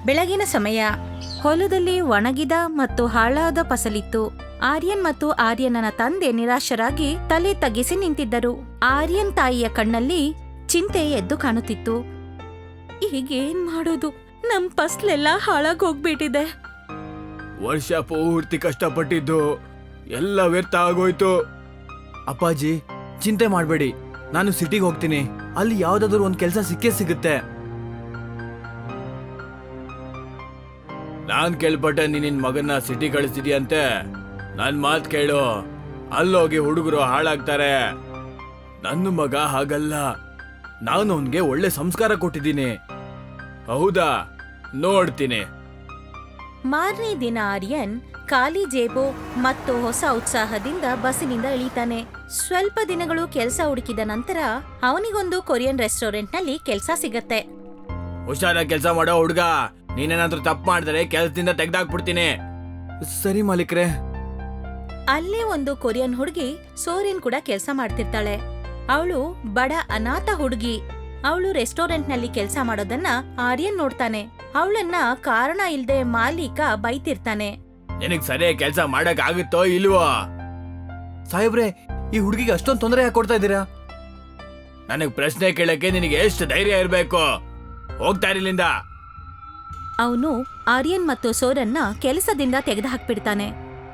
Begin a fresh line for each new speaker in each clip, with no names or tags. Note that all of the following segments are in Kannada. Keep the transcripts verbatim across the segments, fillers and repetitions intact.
ಬೆಳಗಿನ ಸಮಯ. ಹೊಲದಲ್ಲಿ ಒಣಗಿದ ಮತ್ತು ಹಾಳಾದ ಫಸಲಿತ್ತು. ಆರ್ಯನ್ ಮತ್ತು ಆರ್ಯನನ ತಂದೆ ನಿರಾಶರಾಗಿ ತಲೆ ತಗ್ಗಿಸಿ ನಿಂತಿದ್ದರು. ಆರ್ಯನ್ ತಾಯಿಯ ಕಣ್ಣಲ್ಲಿ ಚಿಂತೆ ಎದ್ದು ಕಾಣುತ್ತಿತ್ತು. ಈಗೇನ್ ಮಾಡೋದು? ನಮ್ ಫಸಲೆಲ್ಲ ಹಾಳಾಗ್ ಹೋಗ್ಬಿಟ್ಟಿದೆ.
ವರ್ಷ ಪೂರ್ತಿ ಕಷ್ಟಪಟ್ಟಿದ್ದು ಎಲ್ಲ ವ್ಯರ್ಥ ಆಗೋಯ್ತು. ಅಪ್ಪಾಜಿ, ಚಿಂತೆ ಮಾಡಬೇಡಿ, ನಾನು ಸಿಟಿಗೆ ಹೋಗ್ತೀನಿ. ಅಲ್ಲಿ ಯಾವ್ದಾದ್ರು ಒಂದ್ ಕೆಲಸ ಸಿಕ್ಕೇ ಸಿಗುತ್ತೆ. ನಾನ್ ಕೇಳ್ಪಟ್ಟೆ ನೀನ್ ನಿನ್ ಮಗನ್ನ ಸಿಟಿ ಕಳಿಸ್ತಿದ್ಯಂತೆ. ನನ್ ಮಾತ್ ಕೇಳು, ಅಲ್ಲೋಗಿ ಹುಡುಗರು ಹಾಳಾಗ್ತಾರೆ. ನನ್ನ ಮಗ ಹಾಗಲ್ಲ, ನಾನು ಅವನ್ಗೆ ಒಳ್ಳೆ ಸಂಸ್ಕಾರ ಕೊಟ್ಟಿದ್ದೀನಿ. ಹೌದಾ? ನೋಡ್ತೀನಿ.
ಮಾರನೇ ದಿನ ಆರ್ಯನ್ ಖಾಲಿ ಜೇಬು ಮತ್ತು ಹೊಸ ಉತ್ಸಾಹದಿಂದ ಬಸ್ಸಿನಿಂದ ಇಳಿತಾನೆ. ಸ್ವಲ್ಪ ದಿನಗಳು ಕೆಲಸ ಹುಡುಕಿದ ನಂತರ ಅವನಿಗೊಂದು ಕೊರಿಯನ್ ರೆಸ್ಟೋರೆಂಟ್ ನಲ್ಲಿ ಕೆಲಸ ಸಿಗತ್ತೆ.
ಹುಷಾರ ಕೆಲಸ ಮಾಡೋ ಹುಡ್ಗ, ನೀನೇನಾದ್ರೂ ತಪ್ಪು ಮಾಡಿದ್ರೆ ಕೆಲಸದಿಂದ ತೆಗ್ದಾಕ್ಬಿಡ್ತೀನಿ. ಸರಿ ಮಾಲೀಕ್ರೆ.
ಅಲ್ಲೇ ಒಂದು ಕೊರಿಯನ್ ಹುಡುಗಿ ಸೋರಿನ್ ಕೂಡ ಕೆಲಸ ಮಾಡ್ತಿರ್ತಾಳೆ. ಅವಳು ಬಡ ಅನಾಥ ಹುಡುಗಿ. ಅವಳು ರೆಸ್ಟೋರೆಂಟ್ ನಲ್ಲಿ ಕೆಲಸ ಮಾಡೋದನ್ನ ಆರ್ಯನ್ ನೋಡ್ತಾನೆ. ಅವಳನ್ನ ಕಾರಣ ಇಲ್ದೆ ಮಾಲೀಕ ಬೈತಿರ್ತಾನೆ.
ನಿನಗ್ ಸರಿಯಾಗಿ ಕೆಲಸ ಮಾಡಕ್ ಆಗುತ್ತೋ ಇಲ್ವೋ? ಸಾಹೇಬ್ರೆ, ಈ ಹುಡುಗಿಗೆ ಅಷ್ಟೊಂದು ತೊಂದರೆ ಯಾಕೆ ಕೊಡ್ತಾ ಇದ್ದೀರಾ? ನನಗ್ ಪ್ರಶ್ನೆ ಕೇಳಕ್ಕೆ ನಿನಗೆ ಎಷ್ಟು ಧೈರ್ಯ ಇರ್ಬೇಕು? ಹೋಗ್ತಾ ಇರಲಿಂದ.
ಅವನು ಆರ್ಯನ್ ಮತ್ತು ಸೋರನ್ನ ಕೆಲಸದಿಂದ ತೆಗೆದುಹಾಕ್ಬಿಡ್ತಾನೆ.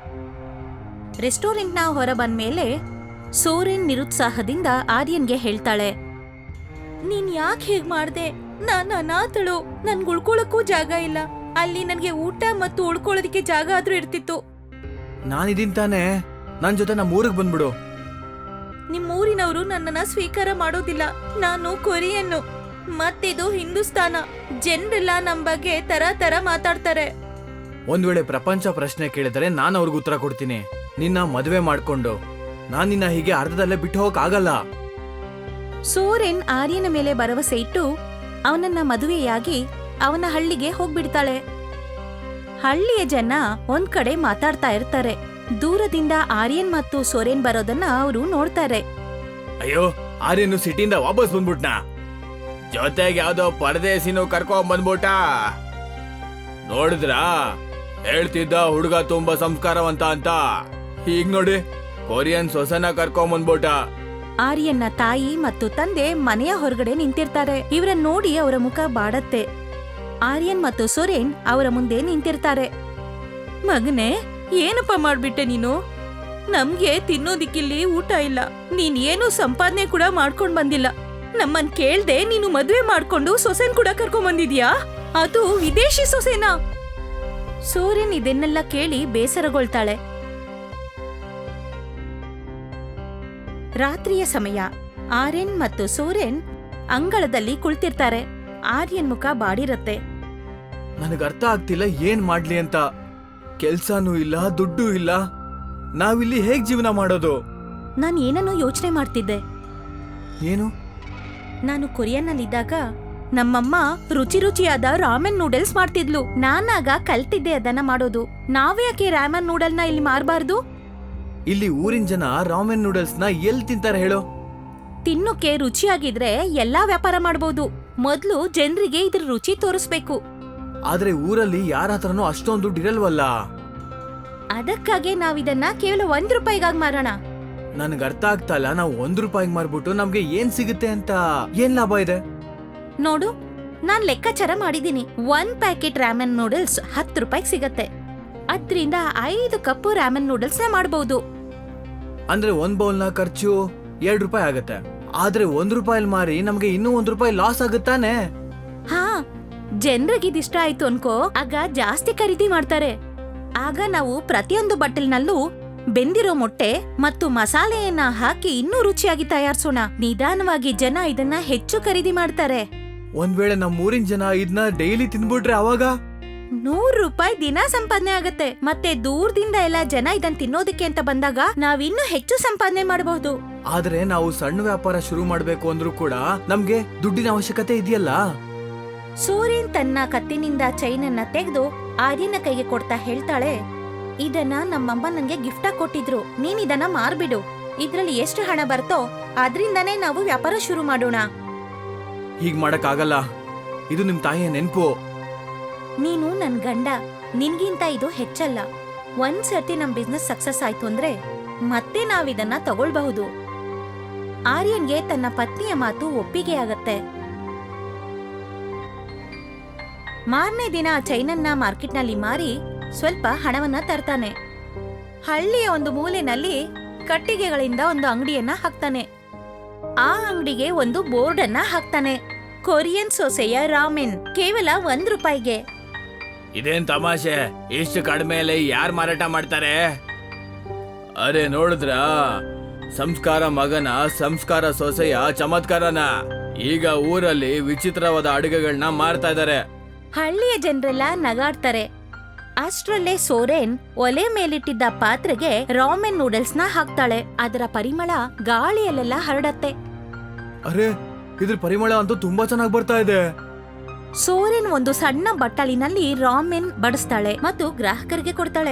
ರೆಸ್ಟೋರೆಂಟ್ನ ಹೊರ ಬಂದ್ಮೇಲೆ ಸೋರೆನ್ ನಿರುತ್ಸಾಹದಿಂದ ಆರ್ಯನ್ಗೆ ಹೇಳ್ತಾಳೆ, ನೀನ್ ಯಾಕೆ ಹೀಗ್ ಮಾಡ್ದೆ? ನಾನ್ ಅನಾಥಳು, ನನ್ಗೆ ಉಳ್ಕೊಳಕ್ಕೂ ಜಾಗ ಇಲ್ಲ. ಅಲ್ಲಿ ನನ್ಗೆ ಊಟ ಮತ್ತು ಉಳ್ಕೊಳ್ಳೋದಿಕ್ಕೆ ಜಾಗ ಆದ್ರೂ ಇರ್ತಿತ್ತು.
ನಾನಿದೀನ್ ತಾನೆ, ನನ್ ಜೊತೆ ನಮ್ಮ ಊರಿಗೆ ಬಂದ್ಬಿಡು.
ನಿಮ್ ಊರಿನವರು ನನ್ನನ್ನ ಸ್ವೀಕಾರ ಮಾಡೋದಿಲ್ಲ. ನಾನು ಕೊರಿಯನ್ನು, ಮತ್ತಿದು ಹಿಂದೂಸ್ತಾನ. ಜನರೆಲ್ಲ ನಮ್ ಬಗ್ಗೆ ತರ ತರ ಮಾತಾಡ್ತಾರೆ.
ಒಂದ್ ವೇಳೆ ಪ್ರಪಂಚ ಪ್ರಶ್ನೆ ಕೇಳಿದರೆ ನಾನು ಅವ್ರಿಗೆ ಉತ್ತರ ಕೊಡ್ತೀನಿ. ನಿನ್ನ ಮದುವೆ ಮಾಡ್ಕೊಂಡು ನಾನ್ ನಿನ್ನ ಹೀಗೆ ಅರ್ಧದಲ್ಲೇ ಬಿಟ್ಟು ಹೋಗಕ್ ಆಗಲ್ಲ.
ಸೋರೆನ್ ಆರ್ಯನ ಮೇಲೆ ಭರವಸೆ ಇಟ್ಟು ಅವನನ್ನ ಮದುವೆಯಾಗಿ ಅವನ ಹಳ್ಳಿಗೆ ಹೋಗ್ಬಿಡ್ತಾಳೆ. ಹಳ್ಳಿಯ ಜನ ಒಂದ್ ಕಡೆ ಮಾತಾಡ್ತಾ ಇರ್ತಾರೆ. ದೂರದಿಂದ ಆರ್ಯನ್ ಮತ್ತು ಸೋರೆನ್ ಬರೋದನ್ನ ಅವರು ನೋಡ್ತಾರೆ.
ಅಯ್ಯೋ, ಆರ್ಯನು ಸಿಟಿಯಿಂದ ವಾಪಸ್ ಬಂದ್ಬಿಟ್ನಾ? ಜೊತೆಗೆ ಯಾವ್ದೋ ಪರದೇಸಿನೂ ಕರ್ಕೊಂಡ್ ಬಂದ್ಬಿಟ್ಟ. ನೋಡಿದ್ರಾ, ಹೇಳ್ತಿದ್ದ ಹುಡುಗ ತುಂಬಾ ಸಂಸ್ಕಾರವಂತ ಅಂತ. ಹೀಗ್ ನೋಡಿ, ಕೊರಿಯನ್ ಸೊಸನ ಕರ್ಕೊಂಡ್ ಬಂದ್ಬಿಟ್ಟ.
ಆರ್ಯನ್ನ ತಾಯಿ ಮತ್ತು ತಂದೆ ಮನೆಯ ಹೊರಗಡೆ ನಿಂತಿರ್ತಾರೆ. ಇವರನ್ನ ನೋಡಿ ಅವರ ಮುಖ ಬಾಡತ್ತೆ. ಆರ್ಯನ್ ಮತ್ತು ಸೋರೆನ್ ಅವರ ಮುಂದೆ ನಿಂತಿರ್ತಾರೆ. ಮಗನೇ, ಏನಪ್ಪ ಮಾಡ್ಬಿಟ್ಟೆ ನೀನು? ನಮ್ಗೆ ತಿನ್ನೋದಿಕ್ಕಿಲ್ಲಿ ಊಟ ಇಲ್ಲ. ನೀನ್ ಏನು ಸಂಪಾದನೆ ಕೂಡ ಮಾಡ್ಕೊಂಡ್ ಬಂದಿಲ್ಲ. ನಮ್ಮನ್ ಕೇಳ್ದೆ ನೀನು ಮದ್ವೆ ಮಾಡ್ಕೊಂಡು ಸೊಸೆನ್ ಕೂಡ ಕರ್ಕೊಂಡ್ ಬಂದಿದ್ಯಾ? ಅದು ವಿದೇಶಿ ಸೊಸೆನಾ? ಸೋರೆನ್ ಇದನ್ನೆಲ್ಲ ಕೇಳಿ ಬೇಸರಗೊಳ್ತಾಳೆ. ರಾತ್ರಿಯ ಸಮಯ. ಆರ್ಯನ್ ಮತ್ತು ಸೋರೆನ್ ಅಂಗಳದಲ್ಲಿ ಕುಳಿತಿರ್ತಾರೆ. ಆರ್ಯನ್ ಮುಖ ಬಾಡಿರತ್ತೆ.
ನನಗ್ ಅರ್ಥ ಆಗ್ತಿಲ್ಲ ಏನ್ ಮಾಡ್ಲಿ ಅಂತ. ಕೆಲ್ಸಾನೂ ಇಲ್ಲ, ದುಡ್ಡು ಇಲ್ಲ. ನಾವಿಲ್ಲಿ ಹೇಗ್ ಜೀವನ ಮಾಡೋದು?
ನಾನ್ ಏನನ್ನೋ ಯೋಚನೆ ಮಾಡ್ತಿದ್ದೆ.
ಏನು?
ನಾನು ಕೊರಿಯನ್ನಲ್ಲಿದ್ದಾಗ ನಮ್ಮಮ್ಮ ರುಚಿ ರುಚಿಯಾದ ರಾಮೆನ್ ನೂಡಲ್ಸ್ ಮಾಡ್ತಿದ್ಲು. ನಾನಾಗ ಕಲ್ತಿದ್ದೆ ಅದನ್ನ ಮಾಡೋದು. ನಾವ್ಯಾಕೆ ರಾಮೆನ್ ನೂಡಲ್ನ ಇಲ್ಲಿ ಮಾರಬಾರ್ದು?
ಇಲ್ಲಿ ಊರಿನ ಜನ ರಾಮೆನ್ ನೂಡಲ್ಸ್ ನ ಎಲ್ಲಿ ತಿಂತಾರೆ ಹೇಳು?
ತಿನ್ನೋಕೆ ರುಚಿಯಾಗಿದ್ರೆ ಎಲ್ಲಾ ವ್ಯಾಪಾರ ಮಾಡಬಹುದು. ಮೊದ್ಲು ಜನರಿಗೆ ಇದ್ರ ರುಚಿ ತೋರಿಸ್ಬೇಕು.
ಆದ್ರೆ ಊರಲ್ಲಿ ಯಾರ ಹತ್ರನೂ ಅಷ್ಟೊಂದು ದುಡ್ಡು ಇರಲ್ವಲ್ಲ.
ಅದಕ್ಕಾಗಿ ನಾವಿದನ್ನ ಕೇವಲ ಒಂದ್ ರೂಪಾಯಿಗಾಗಿ ಮಾರೋಣ.
ನನ್ಗೆ ಅರ್ಥ ಆಗ್ತಾ ಇಲ್ಲ, ನಾವು ಒಂದ್ ರೂಪಾಯಿಗೆ ಮಾರ್ಬಿಟ್ಟು ನಮ್ಗೆ ಏನ್ ಸಿಗುತ್ತೆ ಅಂತ. ಏನ್ ಲಾಭ ಇದೆ?
ನೋಡು, ನಾನ್ ಲೆಕ್ಕಾಚಾರ ಮಾಡಿದೀನಿ. ಒಂದ್ ಪ್ಯಾಕೆಟ್ ರಾಮೆನ್ ನೂಡಲ್ಸ್ ಹತ್ತು ರೂಪಾಯಿಗೆ ಸಿಗತ್ತೆ. ಅದ್ರಿಂದ ಐದು ಕಪ್ ರಾಮೆನ್ ನೂಡಲ್ಸ್ ನ ಮಾಡಬಹುದು.
ಅಂದ್ರೆ ಒಂದ್ ಬೌಲ್ ನ ಖರ್ಚು ಎರಡ್ ರೂಪಾಯಿ ಆಗತ್ತೆ. ಆದ್ರೆ ಒಂದ್ ರೂಪಾಯಿ ಮಾರಿ ನಮ್ಗೆ ಇನ್ನೂ ಒಂದ್ ರೂಪಾಯಿ ಲಾಸ್ ಆಗುತ್ತಾನೆ.
ಹಾ, ಜನರಿಗೆ ಇದಿಷ್ಟ ಆಯ್ತು ಅನ್ಕೋ, ಆಗ ಜಾಸ್ತಿ ಖರೀದಿ ಮಾಡ್ತಾರೆ. ಆಗ ನಾವು ಪ್ರತಿಯೊಂದು ಬಟ್ಟಲ್ನಲ್ಲೂ ಬೆಂದಿರೋ ಮೊಟ್ಟೆ ಮತ್ತು ಮಸಾಲೆಯನ್ನ ಹಾಕಿ ಇನ್ನೂ ರುಚಿಯಾಗಿ ತಯಾರಿಸೋಣ. ನಿಧಾನವಾಗಿ ಜನ ಇದನ್ನ ಹೆಚ್ಚು ಖರೀದಿ ಮಾಡ್ತಾರೆ.
ಒಂದ್ ವೇಳೆ ನಮ್ಮ ಊರಿನ ಜನ ಇದನ್ನ ಡೈಲಿ ತಿನ್ಬಿಟ್ರೆ ಅವಾಗ
ನೂರು ರೂಪಾಯಿ ದಿನ ಸಂಪಾದನೆ ಆಗತ್ತೆ. ಮತ್ತೆ ದೂರದಿಂದ ಎಲ್ಲ ಜನ ಇದನ್ ತಿನ್ನೋದಕ್ಕೆ ಅಂತ ಬಂದಾಗ ನಾವಿನ್ನೂ ಹೆಚ್ಚು ಸಂಪಾದನೆ ಮಾಡಬಹುದು.
ಆದ್ರೆ ನಾವು ಸಣ್ಣ ವ್ಯಾಪಾರ ಶುರು ಮಾಡ್ಬೇಕು ಅಂದ್ರೂ ಕೂಡ ನಮ್ಗೆ ದುಡ್ಡಿನ ಅವಶ್ಯಕತೆ ಇದೆಯಲ್ಲ.
ಸೂರ್ಯನ್ ತನ್ನ ಕತ್ತಿನಿಂದ ಚೈನನ್ನ ತೆಗೆದು ಆರ್ಯನ ಕೈಗೆ ಕೊಡ್ತಾ ಹೇಳ್ತಾಳೆ, ಇದನ್ನ ನಮ್ಮಮ್ಮ ನನ್ಗೆ ಗಿಫ್ಟ್ ಆಗಿ ಕೊಟ್ಟಿದ್ರು. ನೀನ್ ಇದನ್ನ ಮಾರ್ಬಿಡು. ಇದ್ರಲ್ಲಿ ಎಷ್ಟು ಹಣ ಬರ್ತೋ ಅದ್ರಿಂದಾನೇ ನಾವು ವ್ಯಾಪಾರ ಶುರು ಮಾಡೋಣ.
ಹೀಗ್ ಮಾಡಕ್ ಆಗಲ್ಲ. ಇದು ನಿಮ್ ತಾಯಿಯ ನೆನ್ಪು.
ನೀನು ನನ್ ಗಂಡ, ನಿನ್ಗಿಂತ ಇದು ಹೆಚ್ಚಲ್ಲ. ಒಂದ್ಸರ್ತಿ ನಮ್ ಬಿಸ್ನೆಸ್ ಸಕ್ಸಸ್ ಆಯ್ತು ಅಂದ್ರೆ ಮತ್ತೆ ನಾವಿದನ್ನ ತಗೊಳ್ಬಹುದು. ಆರ್ಯನ್ಗೆ ತನ್ನ ಪತ್ನಿಯ ಮಾತು ಒಪ್ಪಿಗೆ ಆಗತ್ತೆ. ಮಾರನೇ ದಿನ ಚೈನನ್ನ ಮಾರ್ಕೆಟ್ನಲ್ಲಿ ಮಾರಿ ಸ್ವಲ್ಪ ಹಣವನ್ನ ತರ್ತಾನೆ. ಹಳ್ಳಿಯ ಒಂದು ಮೂಲೆನಲ್ಲಿ ಕಟ್ಟಿಗೆಗಳಿಂದ ಒಂದು ಅಂಗಡಿಯನ್ನ ಹಾಕ್ತಾನೆ. ಆ ಅಂಗಡಿಗೆ ಒಂದು ಬೋರ್ಡ್ ಅನ್ನ ಹಾಕ್ತಾನೆ. ಕೊರಿಯನ್ ಸೊಸೆಯ ರಾಮೆನ್ ಕೇವಲ ಒಂದ್ ರೂಪಾಯಿಗೆ.
ಇದೇನ್ ತಮಾಷೆ, ಇಷ್ಟು ಕಡಿಮೆಯಲ್ಲಿ ಯಾರು ಮಾರಾಟ ಮಾಡ್ತಾರೆ? ಅರೆ ನೋಡಿದ್ರ, ಸಂಸ್ಕಾರ ಮಗನ ಸಂಸ್ಕಾರ ಸೊಸೆಯ ಚಮತ್ಕಾರನ. ಈಗ ಊರಲ್ಲಿ ವಿಚಿತ್ರವಾದ ಅಡುಗೆಗಳನ್ನ ಮಾರ್ತಾ ಇದ್ದಾರೆ.
ಹಳ್ಳಿಯ ಜನರೆಲ್ಲ ನಗಾಡ್ತಾರೆ. ಅಷ್ಟ್ರಲ್ಲೇ ಸೋರೆನ್ ಒಲೆ ಮೇಲಿಟ್ಟಿದ್ದ ಪಾತ್ರೆಗೆ ರಾಮೆನ್ ನೂಡಲ್ಸ್ ನ ಹಾಕ್ತಾಳೆ. ಅದರ ಪರಿಮಳ ಗಾಳಿಯಲ್ಲೆಲ್ಲ ಹರಡತ್ತೆ.
ಅರೆ, ಇದ್ರ ಪರಿಮಳ ಅಂತೂ ತುಂಬಾ ಚೆನ್ನಾಗಿ ಬರ್ತಾ ಇದೆ.
ಸೋರೆನ್ ಒಂದು ಸಣ್ಣ ಬಟ್ಟಲಿನಲ್ಲಿ ರಾಮೆನ್ ಬಡಿಸ್ತಾಳೆ ಮತ್ತು ಗ್ರಾಹಕರಿಗೆ ಕೊಡ್ತಾಳೆ.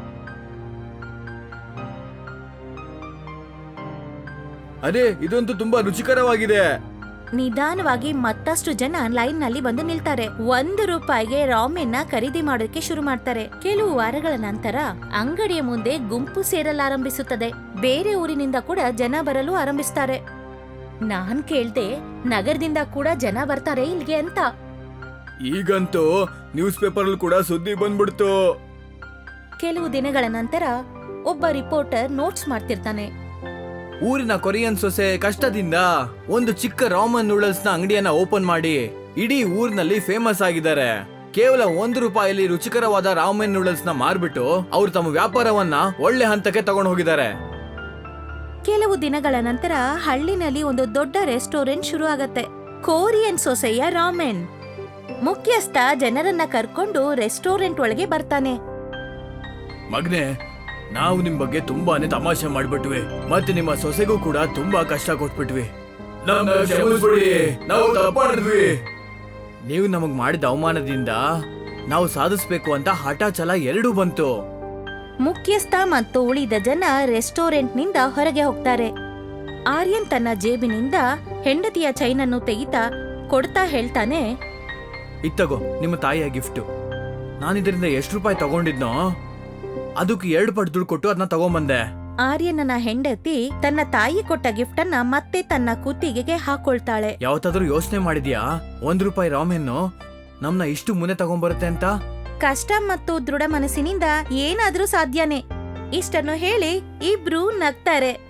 ಅರೆ, ಇದಂತೂ ತುಂಬಾ ರುಚಿಕರವಾಗಿದೆ.
ನಿಧಾನವಾಗಿ ಮತ್ತಷ್ಟು ಜನ ಲೈನ್ ನಲ್ಲಿ ಬಂದು ನಿಲ್ತಾರೆ. ಒಂದು ರೂಪಾಯಿಗೆ ರಾಮೆನ್ ನ ಖರೀದಿ ಮಾಡೋಕೆ ಶುರು ಮಾಡ್ತಾರೆ. ಕೆಲವು ವಾರಗಳ ನಂತರ ಅಂಗಡಿಯ ಮುಂದೆ ಗುಂಪು ಸೇರಲಾರಂಭಿಸುತ್ತದೆ. ಬೇರೆ ಊರಿನಿಂದ ಕೂಡ ಜನ ಬರಲು ಆರಂಭಿಸ್ತಾರೆ. ನಾನ್ ಕೇಳ್ದೆ, ನಗರದಿಂದ ಕೂಡ ಜನ ಬರ್ತಾರೆ ಇಲ್ಲಿಗೆ ಅಂತ.
ಈಗಂತೂ ನ್ಯೂಸ್ ಪೇಪರ್ ಕೂಡ ಸುದ್ದಿ ಬಂದ್ಬಿಡ್ತು.
ಕೆಲವು ದಿನಗಳ ನಂತರ ಒಬ್ಬ ರಿಪೋರ್ಟರ್ ನೋಟ್ಸ್ ಮಾಡ್ತಿರ್ತಾನೆ.
ಊರಿನ ಕೊರಿಯನ್ ಸೊಸೆ ಕಷ್ಟದಿಂದ ಒಂದು ಚಿಕ್ಕ ರಾಮನ್ ನೂಡಲ್ಸ್ ನ ಅಂಗಡಿಯನ್ನ ಓಪನ್ ಮಾಡಿ ಇಡೀ ಊರಿನಲ್ಲಿ ಫೇಮಸ್ ಆಗಿದ್ದಾರೆ. ಕೇವಲ ಒಂದು ರೂಪಾಯಿಲಿ ರುಚಿಕರವಾದ ರಾಮನ್ ನೂಡಲ್ಸ್ ನ ಮಾರ್ಬಿಟ್ಟು ಅವ್ರು ತಮ್ಮ ವ್ಯಾಪಾರವನ್ನ ಒಳ್ಳೆ ಹಂತಕ್ಕೆ ತಗೊಂಡು ಹೋಗಿದ್ದಾರೆ.
ಕೆಲವು ದಿನಗಳ ನಂತರ ಹಳ್ಳಿನಲ್ಲಿ ಒಂದು ದೊಡ್ಡ ರೆಸ್ಟೋರೆಂಟ್ ಶುರು ಆಗತ್ತೆ. ಕೊರಿಯನ್ ಸೊಸೆಯ ರಾಮೆನ್. ಮುಖ್ಯಸ್ಥ ಜನರನ್ನ ಕರ್ಕೊಂಡು ರೆಸ್ಟೋರೆಂಟ್ ಒಳಗೆ ಬರ್ತಾನೆ.
ಮಗ್ನೆ, ನಾವು ನಿಮ್ ಬಗ್ಗೆ ತುಂಬಾನೇ ತಮಾಷೆ ಮಾಡ್ಬಿಟ್ವಿ, ಮತ್ತೆ ನಿಮ್ಮ ಸೊಸೆಗೂ ಕೂಡ ತುಂಬಾ ಕಷ್ಟ ಕೊಟ್ಬಿಟ್ವಿ. ನಾವು ತಪ್ಪು ಮಾಡಿದ್ವಿ. ನೀವು ನಮಗ್ ಮಾಡಿದ ಅವಮಾನದಿಂದ ನಾವು ಸಾಧಿಸ್ಬೇಕು ಅಂತ ಹಠ ಛಲ ಎರಡೂ ಬಂತು.
ಮುಖ್ಯಸ್ಥ ಮತ್ತು ಉಳಿದ ಜನ ರೆಸ್ಟೋರೆಂಟ್ನಿಂದ ಹೊರಗೆ ಹೋಗ್ತಾರೆ. ಆರ್ಯನ್ ತನ್ನ ಜೇಬಿನಿಂದ ಹೆಂಡತಿಯ ಚೈನನ್ನು ತೆಗಿತಾ ಕೊಡ್ತಾ ಹೇಳ್ತಾನೆ,
ಇತ್ತಗೋ ನಿಮ್ಮ ತಾಯಿಯ ಗಿಫ್ಟ್. ನಾನಿದ್ರಿಂದ ಎಷ್ಟು ರೂಪಾಯಿ ತಗೊಂಡಿದ್ನೋ ಅದಕ್ಕೆ ಎರಡು ಪಟ್ಟು ದುಡ್ಡು ಕೊಟ್ಟು ಅದನ್ನ ತಗೊಂಬಂದೆ.
ಆರ್ಯನನ ಹೆಂಡತಿ ತನ್ನ ತಾಯಿ ಕೊಟ್ಟ ಗಿಫ್ಟ್ ಅನ್ನ ಮತ್ತೆ ತನ್ನ ಕುತ್ತಿಗೆಗೆ ಹಾಕೊಳ್ತಾಳೆ.
ಯಾವತ್ತಾದ್ರೂ ಯೋಚನೆ ಮಾಡಿದ್ಯಾ ಒಂದ್ ರೂಪಾಯಿ ರಾಮೆನ್ನು ನಮ್ನ ಇಷ್ಟು ಮುನೆ ತಗೊಂಬರುತ್ತೆ ಅಂತ?
ಕಷ್ಟ ಮತ್ತು ದೃಢ ಮನಸ್ಸಿನಿಂದ ಏನಾದ್ರೂ ಸಾಧ್ಯನೇ. ಇಷ್ಟನ್ನು ಹೇಳಿ ಇಬ್ರು ನಗ್ತಾರೆ.